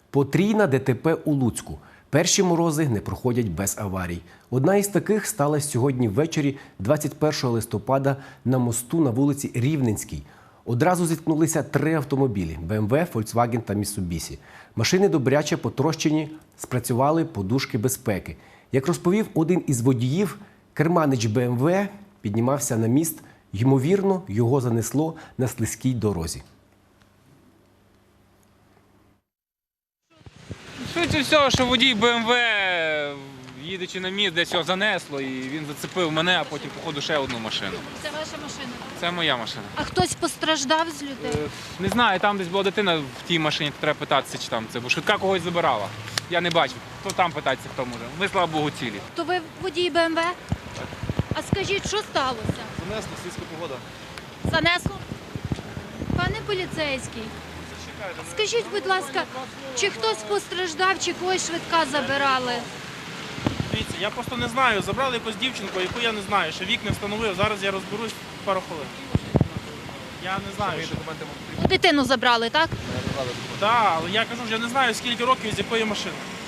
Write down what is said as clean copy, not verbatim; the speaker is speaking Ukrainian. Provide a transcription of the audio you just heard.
Потрійна ДТП у Луцьку. Перші морози не проходять без аварій. Одна із таких сталася сьогодні ввечері 21 листопада на мосту на вулиці Рівненській. Одразу зіткнулися 3 автомобілі – БМВ, Volkswagen та Mitsubishi. Машини добряче потрощені, спрацювали подушки безпеки. Як розповів один із водіїв, керманич БМВ піднімався на міст. Ймовірно, його занесло на слизькій дорозі. Швидше всього, що водій БМВ, їдучи на міст, десь його занесло, і він зацепив мене, а потім, походу, ще одну машину. Це ваша машина? Це моя машина. А хтось постраждав з людей? Не знаю, там десь була дитина в тій машині, то треба питатися, чи там це, бо швидка когось забирала. Я не бачив, то там питатися, хто може. Ми, слава Богу, цілі. То ви водій БМВ? А скажіть, що сталося? Занесло, слизька погода. Занесло? Пане поліцейський, скажіть, будь ласка, чи хтось постраждав, чи когось швидка забирали? Дивіться, я просто не знаю. Забрали якусь дівчинку, яку я не знаю, ще вік не встановив. Зараз я розберусь пару хвилин. Я не знаю, що документи можуть. Дитину забрали, так? Так, але я кажу, я не знаю, скільки років і з якої машини.